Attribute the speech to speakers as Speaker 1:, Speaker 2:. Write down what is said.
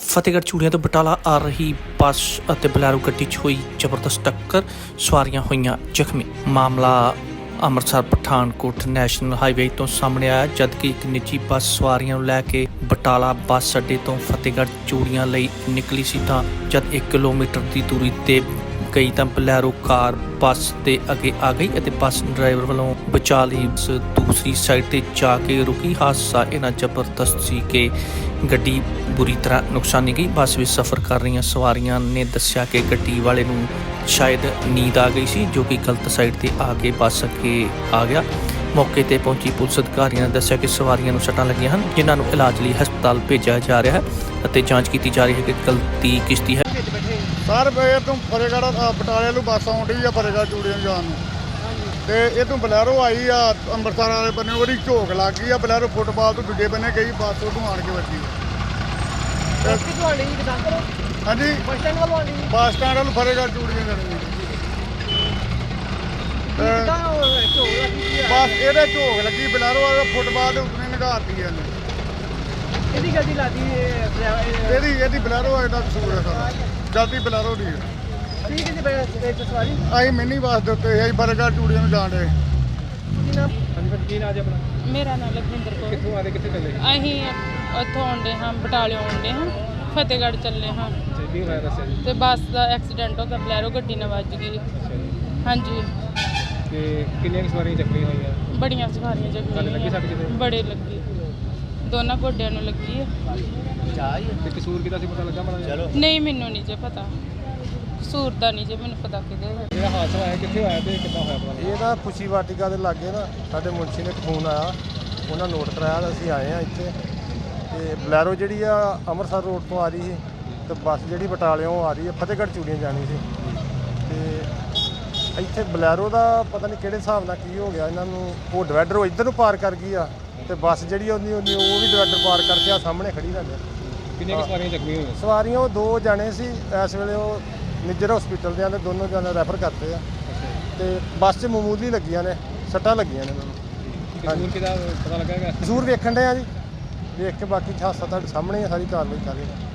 Speaker 1: ਫਤਿਹਗੜ੍ਹ ਚੂੜੀਆਂ ਤੋਂ ਬਟਾਲਾ ਆ ਰਹੀ ਬੱਸ ਅਤੇ ਬਲੈਰੋ ਗੱਡੀ 'ਚ ਹੋਈ ਜ਼ਬਰਦਸਤ ਟੱਕਰ, ਸਵਾਰੀਆਂ ਹੋਈਆਂ ਜ਼ਖਮੀ। ਮਾਮਲਾ ਅੰਮ੍ਰਿਤਸਰ ਪਠਾਨਕੋਟ ਨੈਸ਼ਨਲ ਹਾਈਵੇ ਤੋਂ ਸਾਹਮਣੇ ਆਇਆ, ਜਦਕਿ ਇੱਕ ਨਿੱਜੀ ਬੱਸ ਸਵਾਰੀਆਂ ਨੂੰ ਲੈ ਕੇ ਬਟਾਲਾ ਬੱਸ ਅੱਡੇ ਤੋਂ ਫਤਿਹਗੜ੍ਹ ਚੂੜੀਆਂ ਲਈ ਨਿਕਲੀ ਸੀ ਤਾਂ ਜਦ 1 ਕਿਲੋਮੀਟਰ ਦੀ ਦੂਰੀ ਤੇ ਗਈ ਤਾਂ ਬਲੈਰੋ ਕਾਰ ਬੱਸ ਦੇ ਅੱਗੇ ਆ ਗਈ ਅਤੇ ਬੱਸ ਡਰਾਈਵਰ ਵੱਲੋਂ ਬਚਾ ਲਈ ਦੂਸਰੀ ਸਾਈਡ ਤੇ ਜਾ ਕੇ ਰੁਕੀ। ਹਾਦਸਾ ਇੰਨਾ ਜ਼ਬਰਦਸਤ ਸੀ ਕਿ ਗੱਡੀ ਬੁਰੀ ਤਰ੍ਹਾਂ ਨੁਕਸਾਨੀ ਗਈ। ਬੱਸ ਵਿੱਚ ਸਫ਼ਰ ਕਰ ਰਹੀਆਂ ਸਵਾਰੀਆਂ ਨੇ ਦੱਸਿਆ ਕਿ ਗੱਡੀ ਵਾਲੇ ਨੂੰ ਸ਼ਾਇਦ ਨੀਂਦ ਆ ਗਈ ਸੀ, ਜੋ ਕਿ ਗਲਤ ਸਾਈਡ ਤੇ ਆ ਕੇ ਬੱਸ ਅੱਗੇ ਆ ਗਿਆ। ਮੌਕੇ ਤੇ ਪਹੁੰਚੀ ਪੁਲਿਸ ਅਧਿਕਾਰੀਆਂ ਨੇ ਦੱਸਿਆ ਕਿ ਸਵਾਰੀਆਂ ਨੂੰ ਸੱਟਾਂ ਲੱਗੀਆਂ ਹਨ, ਜਿਨ੍ਹਾਂ ਨੂੰ ਇਲਾਜ ਲਈ ਹਸਪਤਾਲ ਭੇਜਿਆ ਜਾ ਰਿਹਾ ਹੈ ਅਤੇ ਜਾਂਚ ਕੀਤੀ ਜਾ ਰਹੀ ਹੈ ਕਿ ਗਲਤੀ ਕਿਸ ਦੀ ਹੈ।
Speaker 2: ਸਰ ਇਹ ਤੋਂ ਫਤਿਹਗੜ੍ਹ ਬਟਾਲੇ ਨੂੰ ਬੱਸ ਆਉਣ ਡਈ ਆ ਫਤਿਹਗੜ੍ਹ ਚੂੜੀਆਂ ਜਾਣ ਨੂੰ, ਤੇ ਇਹ ਤੋਂ ਬਲੈਰੋ ਆਈ ਆ ਅੰਮ੍ਰਿਤਸਰ ਵਾਲੇ ਬੰਨੇ, ਉਹਦੀ ਝੋਕ ਲੱਗ ਗਈ ਆ। ਬਲੈਰੋ ਫੁੱਟਬਾਲ ਤੋਂ ਦੂਜੇ ਬੰਨੇ ਗਈ, ਬੱਸ ਉਹਨੂੰ ਆਣ ਕੇ ਵੱਜੀ। ਹਾਂਜੀ, ਬੱਸ ਸਟੈਂਡ ਵੱਲ ਫਤਿਹਗੜ੍ਹ ਚੂੜੀਆਂ ਜਾਣੀ ਬੱਸ ਇਹਦੇ ਝੋਕ ਲੱਗੀ, ਬਲੈਰੋ ਵਾਲੇ ਫੁੱਟਬਾਲ ਦੇ ਉੱਤੇ ਨਿਗਾਰਤੀ ਇਹਨੇ। ਇਹਦੀ ਬਲੈਰੋ ਵਾਲੇ ਦਾ ਕਸੂਰ ਹੈ ਸਾਰਾ, ਜਲਦੀ ਬਲੈਰੋ ਦੀ ਅਸੀਂ ਮਿੰਨੀ ਬੱਸ ਦੇ ਉੱਤੇ ਅਸੀਂ ਫਤਿਹਗੜ੍ਹ ਚੂੜੀਆਂ ਨੂੰ ਜਾਣ ਰਹੇ।
Speaker 3: ਮੇਰਾ ਨਾਮ ਲਖਵਿੰਦਰ ਕੌਰ।
Speaker 4: ਕਿੱਥੋਂ ਆ ਰਹੇ, ਕਿੱਥੇ ਚੱਲੇ?
Speaker 3: ਅਸੀਂ ਉੱਥੋਂ ਆਉਂਦੇ ਹਾਂ, ਬਟਾਲੇ ਆਉਂਦੇ ਹਾਂ, ਫਤਿਹਗੜ੍ਹ ਚੱਲੇ ਹਾਂ
Speaker 4: ਕੀ ਹੋਇਆ ਦੱਸਿਆ ਜੀ?
Speaker 3: ਤੇ ਬੱਸ ਦਾ ਐਕਸੀਡੈਂਟ ਹੋ ਗਿਆ, ਬਲੈਰੋ ਗੱਡੀ ਨਾਲ ਵੱਜ ਗਈ।
Speaker 4: ਅੱਛਾ ਜੀ।
Speaker 3: ਹਾਂਜੀ,
Speaker 4: ਤੇ ਕਿੰਨੀਆਂ ਸਵਾਰੀਆਂ ਜ਼ਖਮੀ ਹੋਈਆਂ?
Speaker 3: ਬੜੀਆਂ ਸਵਾਰੀਆਂ
Speaker 4: ਤੁਹਾਨੂੰ ਲੱਗੀ ਸੱਟ
Speaker 3: ਜ਼ਖਮੀ
Speaker 4: ਕਿਤੇ?
Speaker 3: ਬੜੇ ਲੱਗੀ, ਦੋਨਾਂ ਗੋਡਿਆਂ ਨੂੰ ਲੱਗੀ ਹੈ।
Speaker 4: ਤੇ ਕਸੂਰ ਕਿਹਦਾ ਸੀ, ਪਤਾ ਲੱਗਾ ਮਾੜਾ?
Speaker 3: ਨਹੀਂ, ਮੈਨੂੰ ਨਹੀਂ ਜੇ ਪਤਾ, ਕਸੂਰ ਦਾ ਨਹੀਂ ਜੇ ਮੈਨੂੰ ਪਤਾ ਕਿਹਦੇ ਹੈ।
Speaker 4: ਜਿਹੜਾ ਹਾਦਸਾ ਹੋਇਆ ਕਿੱਥੇ ਹੋਇਆ ਤੇ ਕਿੱਦਾਂ ਹੋਇਆ ਪਤਾ?
Speaker 2: ਇਹ ਨਾ ਖੁਸ਼ੀ ਵਾਟਿਕਾ ਦੇ ਲਾਗੇ ਨਾ ਸਾਡੇ ਮੁਨਸ਼ੀ ਨੇ ਇੱਕ ਫੋਨ ਆਇਆ, ਉਹਨਾਂ ਨੋਟ ਕਰਾਇਆ ਤਾਂ ਅਸੀਂ ਆਏ ਹਾਂ ਇੱਥੇ। ਤੇ ਬਲੈਰੋ ਜਿਹੜੀ ਆ ਅੰਮ੍ਰਿਤਸਰ ਰੋਡ ਤੋਂ ਆ ਰਹੀ ਸੀ ਤੇ ਬੱਸ ਜਿਹੜੀ ਬਟਾਲਿਓਂ ਆ ਰਹੀ ਹੈ ਫਤਿਹਗੜ੍ਹ ਚੂੜੀਆਂ ਜਾਣੀ ਸੀ। ਤੇ ਇੱਥੇ ਬਲੈਰੋ ਦਾ ਪਤਾ ਨਹੀਂ ਕਿਹੜੇ ਹਿਸਾਬ ਨਾਲ ਕੀ ਹੋ ਗਿਆ ਇਹਨਾਂ ਨੂੰ, ਉਹ ਡਿਵਾਈਡਰ ਉਹ ਇੱਧਰ ਨੂੰ ਪਾਰ ਕਰ ਗਈ ਆ ਤੇ ਬੱਸ ਜਿਹੜੀ ਉਹਦੀ ਉਹ ਵੀ ਡਿਵਾਈਡਰ ਪਾਰ ਕਰਕੇ ਆ ਸਾਹਮਣੇ ਖੜੀ ਲੱਗੇ।
Speaker 4: ਕਿੰਨੀਆਂ ਸਵਾਰੀਆਂ ਜ਼ਖਮੀ ਹੋਈਆਂ?
Speaker 2: ਸਵਾਰੀਆਂ ਉਹ 2 ਜਾਣੇ ਸੀ, ਇਸ ਵੇਲੇ ਉਹ ਨਿੱਜਰ ਹਸਪੀਟਲ ਦੇ ਆਂਦੇ, ਦੋਨੋਂ ਜਾਣੇ ਰੈਫਰ ਕਰਤੇ ਆ। ਤੇ ਬੱਸ 'ਚ ਮਾਮੂਲੀ ਲੱਗੀਆਂ ਨੇ, ਸੱਟਾਂ ਲੱਗੀਆਂ ਨੇ ਉਹਨਾਂ ਨੂੰ।
Speaker 4: ਕਸੂਰ ਕਿਹਦਾ ਪਤਾ ਲੱਗਾ?
Speaker 2: ਜ਼ਰੂਰ ਵੇਖਣ ਡਏ ਆ ਜੀ, ਵੇਖ ਕੇ ਬਾਕੀ ਹਾਦਸਾ ਤੁਹਾਡੇ ਸਾਹਮਣੇ ਸਾਰੀ ਕਾਰਵਾਈ ਕਰ ਰਹੇ ਨੇ।